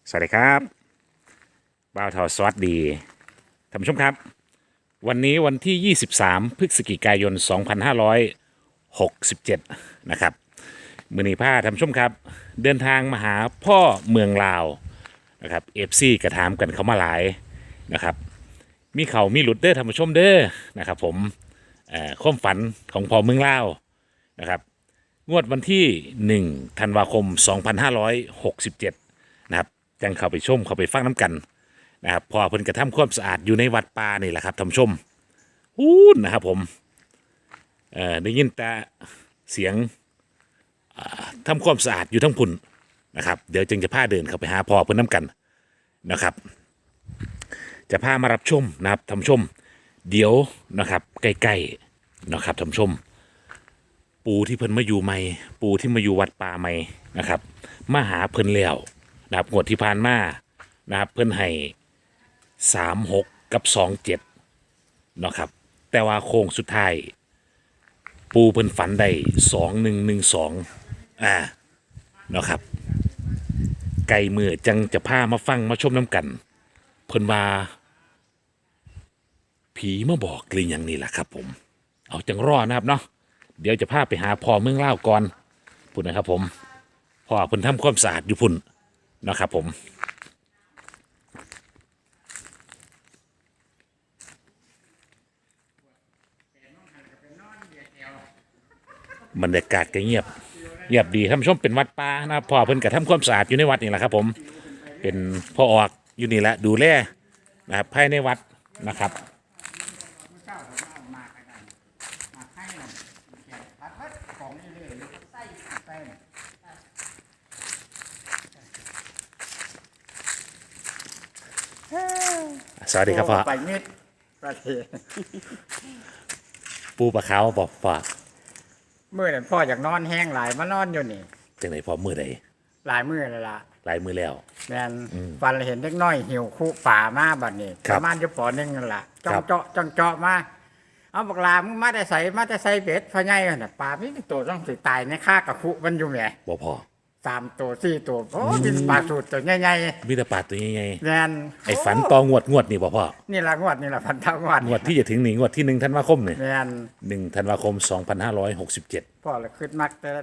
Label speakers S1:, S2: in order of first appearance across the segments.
S1: สวัสดีครับบ่าวทอสวัสดีท่านผู้ชมครับวันนี้วันที่ 23 พฤศจิกายน 2567 นะครับมือนีผ้าท่านผู้ชมครับเดินทางมาหาพ่อเมืองลาวนะครับเอฟซีกระถามกันเขามาหลายนะครับมีเขามีหลุดเด้อท่านผู้ชมเด้อนะครับผมความฝันของพ่อเมืองลาวนะครับงวดวันที่1ธันวาคม 2567 นะครับจังเข้าไปชมเข้าไปฟังน้ำกันนะครับพอเพิ่นกระทำความสะอาดอยู่ในวัดป่านี่แหละครับท่านผู้ชมฮู้นะครับผมได้ยินแต่เสียงทำความสะอาดอยู่ทั้งพุ่นนะครับเดี๋ยวจึงจะพาเดินเข้าไปหาพ่อเพิ่นน้ำกันนะครับจะพามารับชมนะครับท่านผู้ชมเดี๋ยวนะครับใกล้ๆนะครับท่านผู้ชมปูที่เพิ่นมาอยู่ใหม่ปูที่มาอยู่วัดป่าใหม่นะครับมาหาเพิ่นแล้วนะครับงวดที่ผ่านมานะครับเพิ่นให้36กับ27นะครับแต่ว่าโค้งสุดท้ายปูเพิ่นฝันได้2112นะครับไก่มือจังจะพามาฟังมาชมน้ำกันเพิ่นว่าผีมาบอกหรือยังนี่แหละครับผมเอาจังรอนะครับเนาะเดี๋ยวจะพาไปหาพ่อเมืองลาวก่อนพุ่นนะครับผมพ่อเพิ่นทำความสะอาดอยู่พุ่นนะครับผมบรรยากาศก็เงียบดีท่านผู้ชมเป็นวัดป่านะครับพ่อเพิ่นก็ทำความสะอาดอยู่ในวัดนี่แหละครับผมเป็นพ่อออกอยู่นี่แหละดูแลนะครับภายในวัดนะครับสวัสดีครับพ่อ
S2: ไปมิดประเทศ
S1: ปูปลาขาวบอกพ่อ
S2: มือนั่นพ่ออยากนอนแห้งหลายมานอนอยู่นี่
S1: จังไหนพ่อมือใด
S2: หลายมือเลยล่ะ
S1: หลายมือแล้ว
S2: แมนฟันเห็นเล็กน้อยหิวคู่ป่ามาบัดนี้
S1: ครั
S2: ป
S1: บ
S2: ระมาณจะปอนึงนั่นล่ะจ้อ
S1: ครั
S2: ง
S1: บ
S2: เจาะจ้องเจาะมาเอาบักลามึงมาได้ใส่เบ็ดพะไงน่ะป่าพี่ตัวต้องสิตายในค่ากระคุมันอยู่แหม
S1: บ่พ่อ
S2: 3 ตัว 4 ตัวโอ้เป็นปลาสูตรตัวใหญ่
S1: มีแต่ปลาตัวใหญ่
S2: ๆแมน
S1: ๆไอ้ฝันต่องวดนี่บ่พ่อ
S2: นี่ละงวดนี่ละพันเท่างวด
S1: งวดที่จะถึงนี่งวดที่1ธันวาคมเนี่ย
S2: แมน
S1: 1ธันวาคม 2567
S2: พ่อเลยขึ้นมักแต่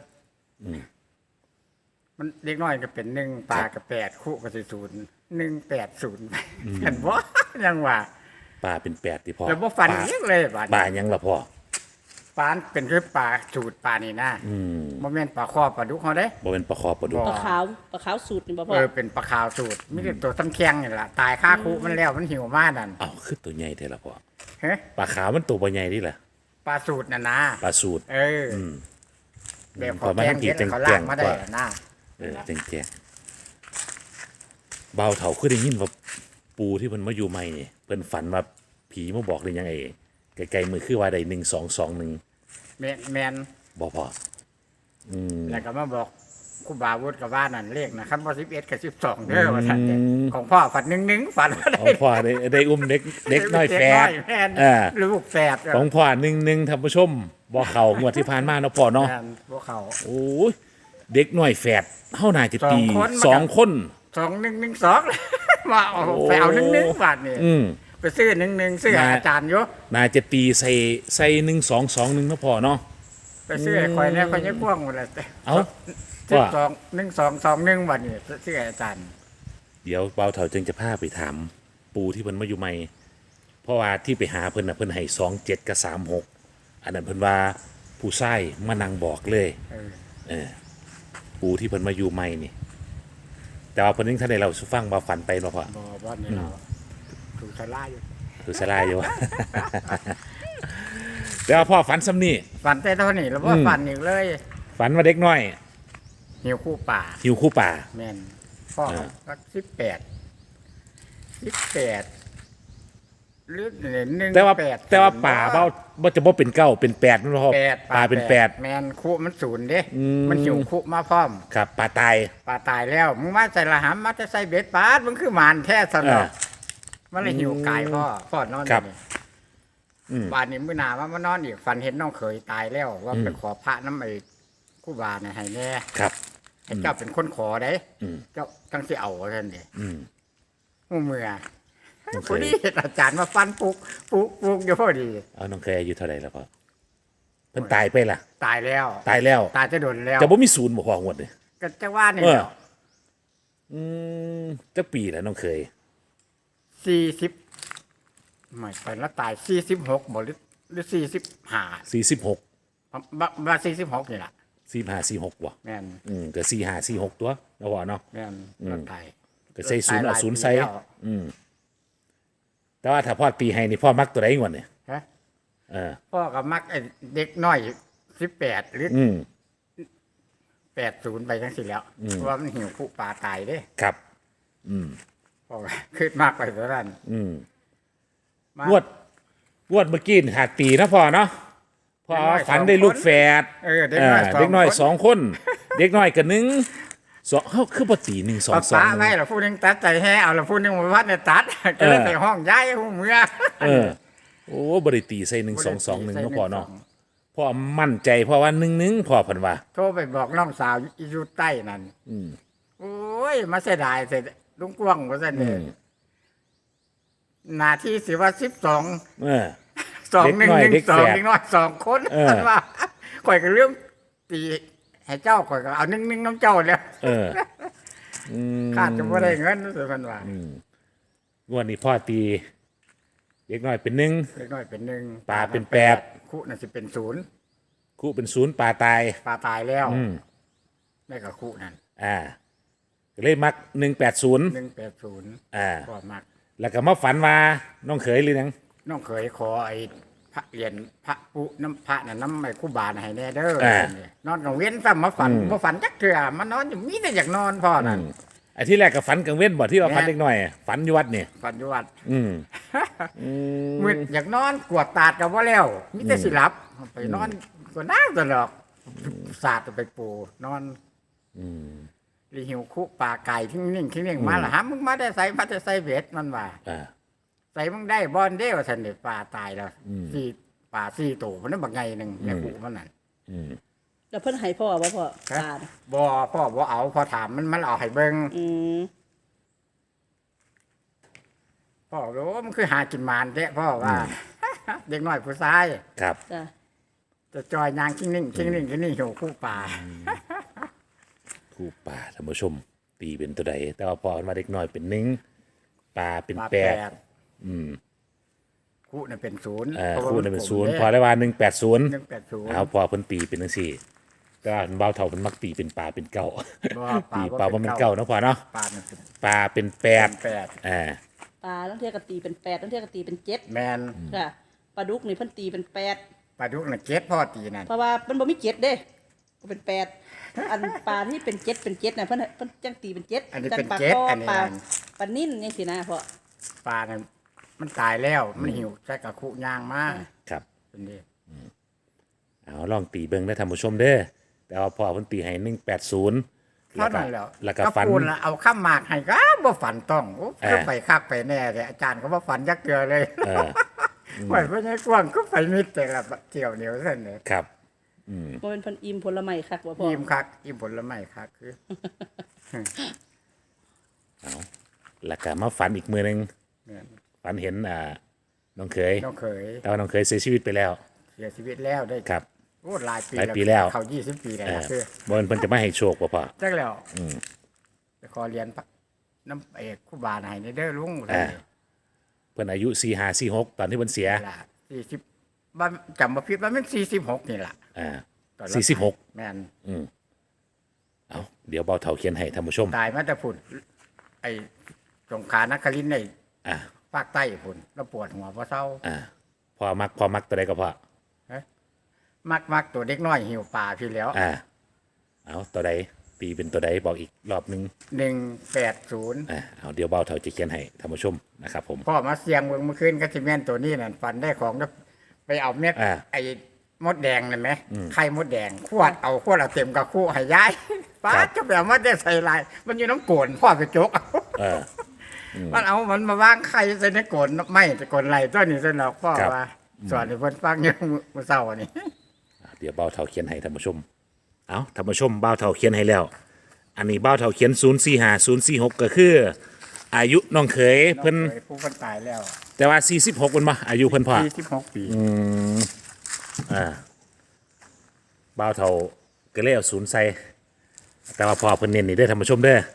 S2: มันเล็กน้อยก็เป็น1ปลาก็8คู่ก็สิ180เห็นบ่ยังว่า
S1: ปลาเป็น8ที่พ่อ
S2: แล้วบ่ฟันอีกเลยบาด
S1: ปลา
S2: นี้
S1: ยังล่ะพ่อ
S2: ปลาเป็นคือปลาสูตรปลานี่นะบ่แม่นปลาคอปลาดุกเฮาเด้
S1: บ่เป็นปลาคอปลาดุก
S2: บ่
S3: ปลาขาวสูตรนี่บ่พ่อ
S2: เป็นปลาขาวสูตรมีแต่ตัวซ้ำแข็งนี่ล่ะตายคาคุมันแล้วมันหิวมานั่น
S1: อ้าวคือตัวใหญ่แท้ล่ะพ่อ
S2: เฮ้
S1: ปลาขาวมันตัวบ่ใหญ่นี่แหละ
S2: ปลาสูตรน่ะนะ
S1: ปลาสูตร
S2: แบบ
S1: พอมา
S2: แก
S1: ทั้
S2: ง
S1: งที
S2: เฮ็ด
S1: จัง
S2: เขา
S1: แก
S2: ล้าง งมาได้
S1: กว่า
S2: นะ
S1: แจ้งเบาเฒ่าคือได้ยินว่าปูที่เพิ่นมาอยู่ใหม่นี่เพิ่นฝันว่าผีมาบอกหรือยังไงไกลๆมือคือว่าได้1221
S2: แม่น
S1: บ่พ่อ
S2: แล้วก็มาบอกครูบาวุฒิกับว่านั่นเลขนะครับว่า11กับ12เด้อว่าซั่นเด้ของพ่อฝัน1ฝันว่า
S1: ของพ่อได้อุ้มเด็กน้อยแฝด
S2: แม่น ลูกแฝด
S1: ของพ่อ11ท่านผู้ชมบ่เข้างวดที่ผ่านมาเนาะพ่อเนาะ
S2: แม่นพวกเขา
S1: โอ้ยเด็กน้อยแฝดเฮาน่าจะตี
S2: สองคน 2112มาเอาไปเอา11บาทนี่ไปซื้อ11ซื้ออาจารย์อยู่
S1: น่าจะตีใส่1221เนาะพ่อเนาะ
S2: ไปซื้อข่อยแล้วข่อยยังพ่วงหมดเลย
S1: เอ้า
S2: 1221บาทนี่ซื้ออาจารย์
S1: เดี๋ยวเบาเถาจึงจะพาไปถามปูที่เพิ่นมาอยู่ใหม่เพราะว่าที่ไปหาเพิ่นน่ะเพิ่นให้27กับ36อันนั้นเพิ่นว่าผู้ชายมานั่งบอกเลยปูที่เพิ่นมาอยู่ใหม่นี่แต่ว่าเพิ่นยังทันได้เล่าสู่ฟังว่าฝันไปบ่พ่อ
S2: บ่นี่เราถูกทลายอยู่
S1: คือสลายอยู่ แต่ว่าพ่อฝันซ้ำนี่
S2: ฝันแต่เท่านี้แล้วว่าฝันอีกเลย
S1: ฝันว่าเด็กน้อย
S2: หิวคู่ป่า
S1: หิวคู่ป่า
S2: แม่นพ่อก็18หรือ1
S1: แต่ว่าป่าบ่จะบ่เป็นเก้าเป็น8มันบ่พ่อป่าเป็น8
S2: แม่นคู่มันศูนย์เด้มันหิวคู่มาพร้อม
S1: ครับป่าตาย
S2: ป่าตายแล้วมึงมาใส่ละหำมาจะใส่เบ็ดปาดมึงคือหมานแท้สนอมันเลยหิวกายพ่อนอนนี่บ้านนี้มื้อหน้ามานอนอีกฝันเห็นน้องเขยตายแล้วว่าไปขอพระน้ำไอ้คู่บาเนี่ยให้แน่
S1: ครับ
S2: ให้เจ้าเป็นคนขอได้
S1: อืม
S2: เจ้าตั้งสิเอาท่านเด้
S1: อืม
S2: หูเมื่อ
S1: น้องเค
S2: พอย ดีเห็นอาจารย์มาฟันปลุกอยู่พอดี
S1: เอาน้องเคยอายุเท่าไหร่แล้วพ่อเพิ่นตายไปล่ะ
S2: ตายแล้ว
S1: ตายแล้ว
S2: ตายจะโดนแล้ว
S1: จะบ่มีศูนย์บ่พองวดนี่
S2: ก็จะว่านี่
S1: เออ
S2: แหละ
S1: อืมจักปีแล้วน้องเคย
S2: 40ไม่ไปแล้วตาย46บ่หรือ45
S1: 46
S2: ว่า46นี่ล่ะ
S1: 45 46บ่
S2: แม่น
S1: ก็45 46ตัวแล้วพ่อเนาะ
S2: แม่นแล้วตาย
S1: ก็ใส่ศูนย์เอาศูนย์ใส่
S2: ตายหลายปีแล้ว
S1: แต่ว่าถ้าพ่อตีให้นี่พ่อมักตัวใดงวดนี่
S2: ฮะ
S1: เออ
S2: พ่อก็มักไอ้เด็กน้อย18หรือ
S1: อืม
S2: 80ไปจังซี่แล้วเพราะว่ามันหิวผู้ปลาตายเด้
S1: ครับ
S2: พ่อก็คิดมากไปเท่านั้นมาง
S1: วดเมื่อกี้นี่หากตีนะพ่อเนาะพ่อฝันได้ลูกแฝด
S2: เด็กน้อย
S1: เด็กน้อย
S2: ค
S1: สองคน เด็กน้อยกับหนึ่งสองเฮาคือบ่ตี1 2
S2: ป้า
S1: 2
S2: ไว้แล้วผู้หนึงตัดใจแห่เอาแล้วผู้หนึงมาวัดเนี่ยตัดก็เลยไปห้องย้ายหูเมือ
S1: เออโอ้บ่ได้ตีใส่1 2 2 1เนาะพ่อเนาะ
S2: ใส่
S1: พ่อมั่นใจเพราะว่า1พ่อเพิ่นว่า
S2: โทรไปบอกน้องสาวอยู่ใต้นั่นโอ้ยมาเสียดายเสร็จลุงกวางว่าซั่นเด้หน้าที่สิว่า12
S1: เออ
S2: 2 1
S1: เด็ก
S2: 1 2
S1: แฝด
S2: เด็กน้อย2คน
S1: เออ
S2: ท่านว่าข่อยก็เรื่องตีให้เจ้าข่อยก็เอา1 1น้ำเจ้าแล้ว
S1: เออ
S2: ขาดจะบ่ได้เงินสิเพิ่นว่า
S1: งวดนี้พ่อตีเด็กน้อยเป็น1
S2: เล็กน้อยเป็น1
S1: ปลาเป็น8
S2: คู่น่ะสิเป็น0
S1: คู่เป็น0ปลาตาย
S2: ปลาตายแล้วได้กับคู่นั่น
S1: ก็เลยมัก180
S2: 180
S1: อ่า
S2: ก็มัก
S1: แล้วก็มาฝันว่าน้องเขยหรือยัง
S2: น้องเคยขอไอ้พระเหรียญพระปุน้ำพระน่ะน้ำไอ้คู่บาน่ะให้แน่เด้อนอนกับเว้นซ้ำมาฝันบ่ฝันจักเทื่อมานอนอยู่มีแต่อยากนอนพ่อนั่น
S1: ไอ้ที่แรกก็ฝันกลางเว้นบ่ที่ว่าฝันเด็กน้อยฝันอยู่วัดนี่
S2: ฝันอยู่วัด
S1: อืม
S2: มื้ออยากนอนกวดตาดก็บ่แล้วมีแต่สิหลับไปนอนก็นั่งตลอดสาดไปปูนอนรีหิวคุปลาไก่ทิ้งนิ่งทิ้งนิ่งมาล่ะหามึงมาได้ใส่มาได้ใส่เบ็ดมันว่า ใส่มึงได้บอลเด้ว่าซั่นเด้ปลาตายแล้วปลา4ตัวมันนั้นบักใหญ่นึงแม่กูมันนั่น
S3: แล้วเพิ่นให้พ่อบ่พ่อตาน่ะ
S2: บ่พ่อบ่เอาพอถามมันเอาให้เบิ่ง
S3: อืม
S2: พ่อรู้ว่ามันคือหากินหมานแท้พ่อว่า เด็กน้อยผู้ชาย
S1: ครับ
S3: จ้ะ
S2: จะจอยยางกิ้งนิ่งกิ้งนิ่งกิ้งนิ่งหิวคู่ปลา
S1: คู่ป่าท่านผู้ชม ตีเป็นตัวใดแต่ว่าพอมาเด็กน้อยเป็น1ปลาเป็น
S2: ปลา
S1: 8
S2: คู่น่ะเป็น0
S1: คู่นึงเป็น0พอได้ว่า180
S2: 180
S1: เอาพอเพิ่นตีเป็นจังซี่แต่ว่าเบาเท่าเพิ่นมักตีเป็นปลาเป็นเก้า ตีปลาว่ามันเก้าเนาะพอเนาะ
S2: ปลามันเป็น
S1: ปลาเป็น8
S2: 8
S3: ปลาตั้งเที่ยก็ตีเป็น8ตั้งเที่ยก็ตีเป็น7
S2: แม่น
S3: ค่ะปลาดุกนี่เพิ่นตีเป็น8
S2: ปลาดุกน่ะเจ็ดพ่อตีนั่น
S3: เพราะว่ามันบ่มี7เด้ก็เป็น8อันปลาที่เป็น7น่ะเพิ่นจังตีเป็น7
S2: อันนี้
S3: จั
S2: เป็น
S3: ปลา
S2: เจ็ด
S3: คอ
S2: อันนี้
S3: ปลา
S2: นั่น
S3: ปลานิ่นจังซี่นะพ่อ
S2: ปลานั่นมันตายแล้วมันหิวใส่กับคู่ย่างมา
S1: ครับ
S2: เป็นดิ
S1: เอาลองตีเบิ่งได้อท่านผู้ชมเด้อแต่ว่าพอเพิ่นตีให้180
S2: เท่านั้นแล้ว
S1: แล้วก็ฝัน
S2: พูดละเอาข้ามหมากให้ก็บ่ฝันต้องโอ้
S1: เออ
S2: คือไปคักไปแน่แต่อาจารย์ก็บ่ฝันจักเกือเลย
S1: เออ
S2: ไหวเพราะงั้นกว้างก็ไปมิดแต่ละเที่ยวเหนียวเส้นเลย
S1: ครับ
S3: บ่เป็นเพิ่นอิ่มผลไม้คักบ่พ่อ
S2: อิ่มคักอิ่มผลไม้คักคือ
S1: แล้วก็มาฝันอีกมือหนึง
S2: เนี่ย
S1: ฝันเห็นน้องเขย
S2: น้องเคย
S1: แต่ว่าน้องเขยเสียชีวิตไปแล้ว
S2: เสียชีวิตแล้วได้
S1: ครับ
S2: โอ้หลายปี
S1: หลายปีแล้ว
S2: เขา20 ปีแล้ว
S1: เออ
S2: นะคือ
S1: บ่เพิ่นจะมาให้โชคบ่พ่อ
S2: จักแล้วไปขอเรียนพระน้ำเอกครูบาให้ในเด้อลุง
S1: เพิ่นอายุ4546ตอนที่เพิ่นเสีย
S2: ล่ะ40บ้านจำบ่ผิดว่ามัน46นี่ล่ะ ตอนรับ
S1: 46
S2: แม่น
S1: เอาเดี๋ยวเบาเถาเขียนให้ท่านผู้ชม
S2: ตายมาแต่พุ่นไอ้สงขลานครินทร์ใน
S1: อ่า
S2: ภาคใต้พุ่นแล้วปวดหัวบ่เศร้า
S1: พอมักตัวใดก็พอ
S2: มักตัวเด็กน้อยหิวปลาพี่แล้ว
S1: เอาตัวใดตีเป็นตัวใดบอกอีกรอบนึง
S2: 180
S1: เอาเดี๋ยวเบาเถาจะเขียนให้ท่านผู้ชมนะครับผม
S2: พ่อมาเสียงเบิ่งเมื่อคืนก็สิแม่นตัวนี้นั่นฝันได้ของแล้วไปเอาเม็ด ไอ้มดแดงนั่นไหมไข่มดแดงขวดเอาเต็มกับคู่ให้ยายป้าจะไปเอามาได้ใส่ลาย มันอยู่น้ำโกนพ่อไปจกเอา
S1: เออ
S2: มันเอามันมาวางไข่ใส่ในโกนไม่แต่โกนไหลตัวนี้ซะหรอกพ่อว่าสอนให้เพิ่นฟังอยู่มื้อเช้านี่
S1: เดี๋ยวเบาเถาเขียนให้ท่านผู้ชมเอาท่านผู้ชมเบาเถาเขียนให้แล้วอันนี้เบ้าเท่าเขียน045 046ก็คือ อายุน้องเขยเพิ่น
S2: น้องเคยผู้คนตายแล้ว
S1: แต่ว่า46เพิ่นบ่อายุเพิ่นพ่อ
S2: 46 ปี
S1: เบ้าเท่าก็เลยเอา0ใส่แต่ว่าพ่อเพิ่นเน้นนี่เด้อท่านผู้ชมเด้อ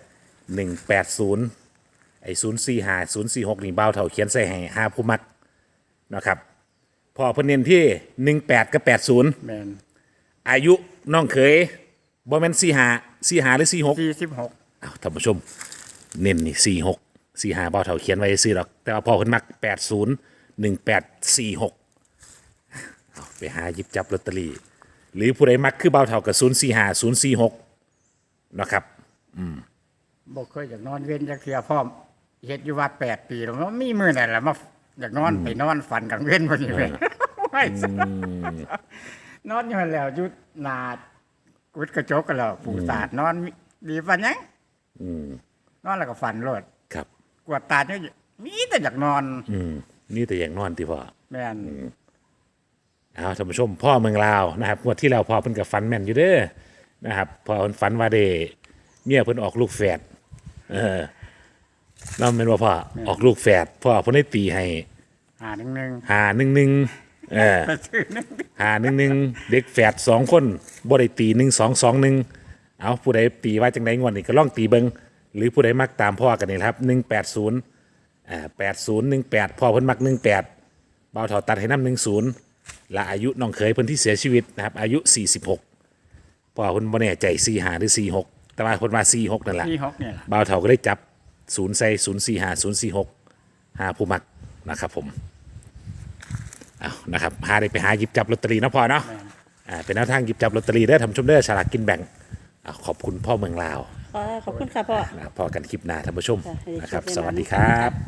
S1: 180ไอ้045 046นี่เบ้าเท่าเขียนใส่ให้หาผู้มักนะครับพ่อเพิ่นเน้นที่18กับ80
S2: แม่น
S1: อายุน้องเขยบ่แม่น45หรือ46
S2: 46
S1: อ้าวท่านผู้ชมเน้นนี่46 45เบ้าเท่าเขียนไว้ซื่อหรอกแต่ว่าพ่อเพิ่นมัก80 1846เอาไปหาหยิบจับลอตเตอรี่หรือผู้ใดมักคือเบ้าเท่ากับ045 046นะครับ
S2: บ่เคยอยากนอนเว้นจักเทื่อพร้อมเฮ็ดอยู่วัด8 ปีแล้วมันมีมื้อนั่นแหละมาอยากนอนไปนอนฝันกลางเว้นพอดีเว้ยโอ้ยนอนอยู่นั่นแล้วอยู่หน้ากุดกระจกกันแล้วปู่ตาดนอนดีปานหยังนอนแล้วก็ฝันโลด
S1: ครับ
S2: กวดตาเนี่ยมีแต่อยากนอน
S1: นี่แต่อย่างนอนที่พ่อ
S2: แม่น
S1: เอาท่านผู้ชมพ่อเมืองลาวนะครับงวดที่แล้วพ่อเพิ่นกับฝันแม่นอยู่เด้อนะครับพ่อเพิ่นฝันว่าได้เมียเพิ่นออกลูกแฝดนั่นเป็นว่าพ่อออกลูกแฝดพ่อเพิ่นได้ตีให้
S2: 1
S1: 511
S2: ไปซื้อนึง
S1: 511เด็กแฝด2คนบ่ได้ตี1221เอาผู้ใดตีว่าจังไดงวดนี้ก็ลองตีเบิ่งหรือผู้ใดมักตามพ่อกันนี่ครับ180 8018พ่อเพิ่นมัก18เบาเท่าตัดให้นำ10และอายุน้องเขยเพิ่นที่เสียชีวิตนะครับอายุ46พ่อเพิ่นบ่แน่ใจ45หรือ46แต่ว่าเพิ่นว่า46นั่นแหละ
S2: ที่6เนี่ยล่ะ
S1: บ่าวเฒ่าก็ได้จับ0ใส่045 046หาผู้มักนะครับผมเอานะครับหาได้ไปหาหยิบจับลอตเตอรี่เนาะพ่อเนาะเป็นแนวทางหยิบจับลอตเตอรี่เด้อท่านผู้ชมเด้อฉลากกินแบ่งขอบคุณพ่อเมืองลาว
S3: ขอบคุณค่ะพ่อ
S1: นะครับพอกันคลิปหน้าท่านผู้ชม
S3: ค่ะให้ได้
S1: นะครับ
S3: คลิป
S1: ส
S3: หน้า
S1: วัสดีครับ